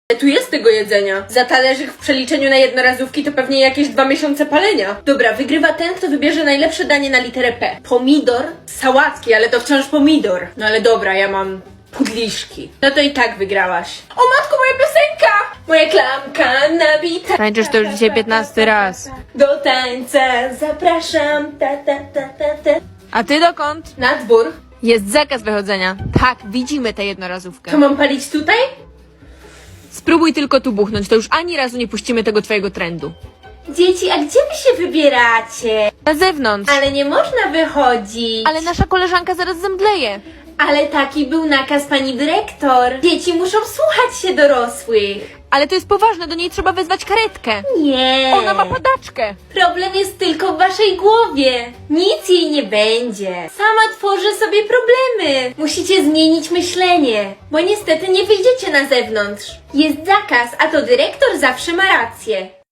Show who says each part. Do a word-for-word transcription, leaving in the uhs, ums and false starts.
Speaker 1: Tu jest tego jedzenia. Za talerzyk w przeliczeniu na jednorazówki to pewnie jakieś dwa miesiące palenia. Dobra, wygrywa ten, kto wybierze najlepsze danie na literę P. Pomidor z sałatki, ale to wciąż pomidor. No ale dobra, ja mam pudliszki. No to i tak wygrałaś. O matko, moja piosenka! Moja klamka nabita.
Speaker 2: Tańczysz to już dzisiaj piętnasty raz.
Speaker 1: Do tańca zapraszam. Ta, ta, ta, ta, ta.
Speaker 2: A ty dokąd?
Speaker 1: Na dwór.
Speaker 2: Jest zakaz wychodzenia. Tak, widzimy tę jednorazówkę.
Speaker 1: To mam palić tutaj?
Speaker 2: Spróbuj tylko tu buchnąć, to już ani razu nie puścimy tego twojego trendu.
Speaker 1: Dzieci, a gdzie wy się wybieracie?
Speaker 2: Na zewnątrz.
Speaker 1: Ale nie można wychodzić.
Speaker 2: Ale nasza koleżanka zaraz zemdleje.
Speaker 1: Ale taki był nakaz pani dyrektor. Dzieci muszą słuchać się dorosłych.
Speaker 2: Ale to jest poważne, do niej trzeba wezwać karetkę.
Speaker 1: Nie.
Speaker 2: Ona ma padaczkę.
Speaker 1: Problem jest tylko w waszej głowie. Nic jej nie będzie. Sama tworzy sobie problemy. Musicie zmienić myślenie, bo niestety nie wyjdziecie na zewnątrz. Jest zakaz, a to dyrektor zawsze ma rację.